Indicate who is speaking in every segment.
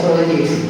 Speaker 1: Provide ചെയ്യുന്നത്.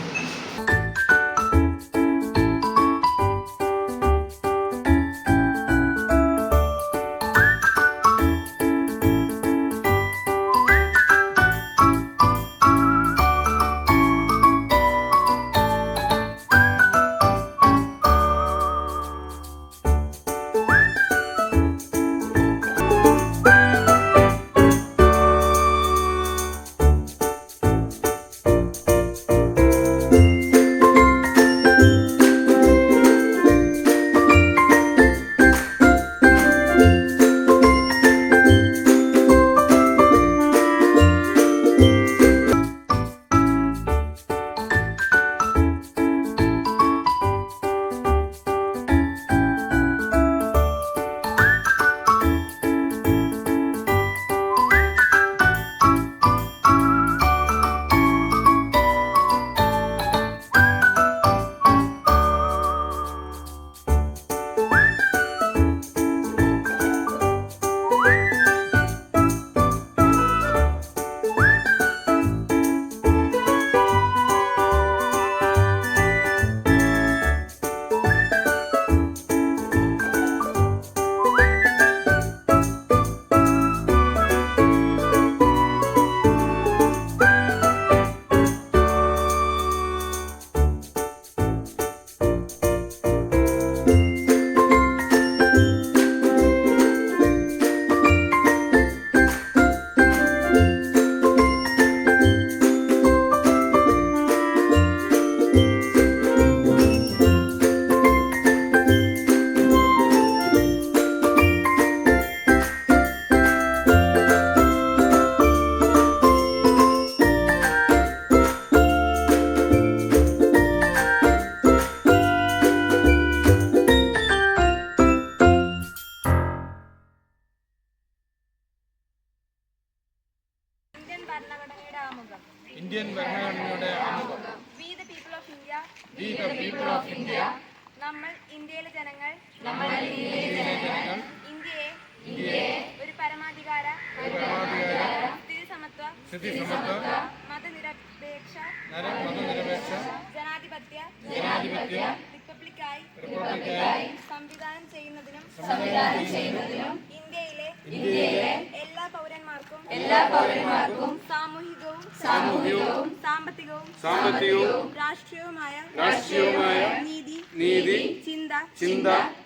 Speaker 2: Indian ഭരണഘടനയുടെ ആമുഖം.
Speaker 3: We the people of India.
Speaker 2: We the people of India.
Speaker 3: നമ്മൾ ഇന്ത്യയിലെ ജനങ്ങൾ
Speaker 2: ഇന്ത്യയെ
Speaker 3: ഒരു പരമാധികാര
Speaker 2: സ്ഥിതിസമത്വ
Speaker 3: മതനിരപേക്ഷ
Speaker 2: ജനാധിപത്യ
Speaker 3: റിപ്പബ്ലിക്കായി സംവിധാനം ചെയ്യുന്നതിനും ഇന്ത്യയിലെ എല്ലാ പൗരന്മാർക്കും സാമൂഹികവും സാമ്പത്തികവും രാഷ്ട്രീയവുമായ നീതി ചിന്ത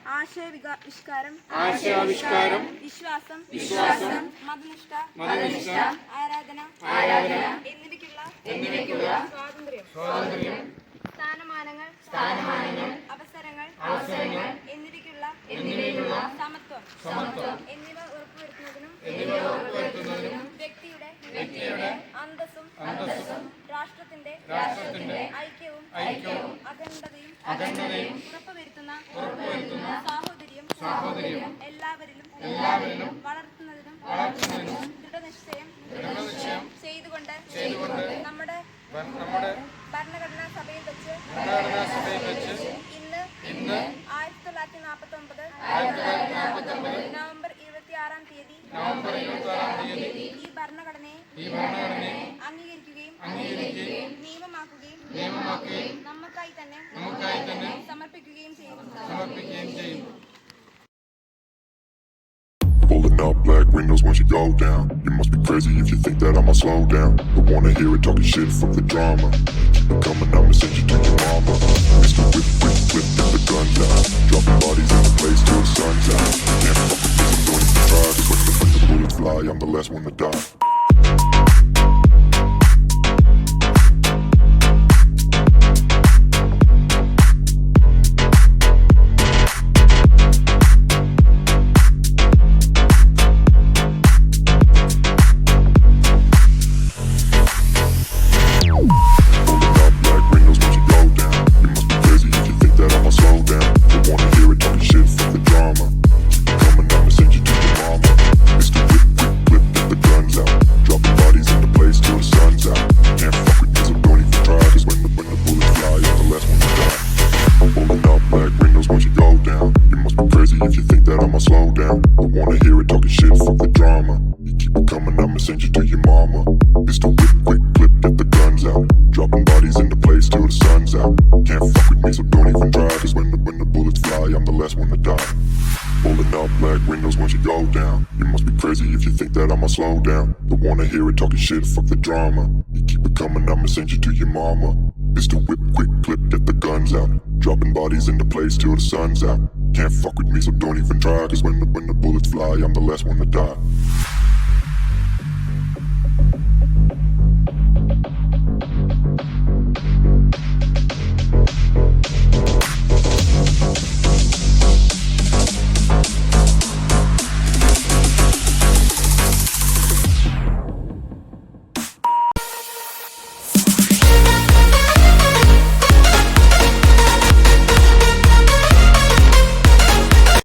Speaker 3: ആശയാവിഷ്കാരം വിശ്വാസം മതനിഷ്ഠ ആരാധന എന്നിവയ്ക്കുള്ള സ്വാതന്ത്ര്യം സ്ഥാനമാനങ്ങൾ അവസരങ്ങൾ എന്നിവയ്ക്കുള്ള സമത്വം എന്നിവ ഉറപ്പുവരുത്തുന്നതിനും വ്യക്തിയുടെ അന്തസ്സും രാഷ്ട്രത്തിന്റെ ഐക്യവും അഖണ്ഡതയും ഉറപ്പുവരുത്തുന്ന സാഹോദര്യം എല്ലാവരിലും വളർത്തുന്നതിനും ദൃഢനിശ്ചയം ചെയ്തുകൊണ്ട് നമ്മുടെ ഭരണഘടനാ സഭയിൽ വെച്ച് ഇന്ന് 1949 നവംബർ 26-ാം തീയതി ഈ ഭരണഘടനയെ അംഗീകരിക്കുകയും നിയമമാക്കുകയും നമുക്കായി തന്നെ സമർപ്പിക്കുകയും ചെയ്യുന്നു.
Speaker 4: Pulling up black windows once you go down. You must be crazy if you think that I'ma slow down. Don't wanna hear it talking shit, fuck the drama. Keep it coming, I'ma send you to your mama. Mr. Whip, get the guns out. Dropping bodies in the place till the sun's out. Can't fuck with this, I'm going to try. Cause when the bullets fly, I'm the last one to die. Dropping bodies shit, fuck the drama. You keep it coming, I'ma send you to your mama. Mr. Whip, quick clip, get the guns out. Dropping bodies into place till the sun's out. Can't fuck with me, so don't even try. Cause when the bullets fly, I'm the last one to die.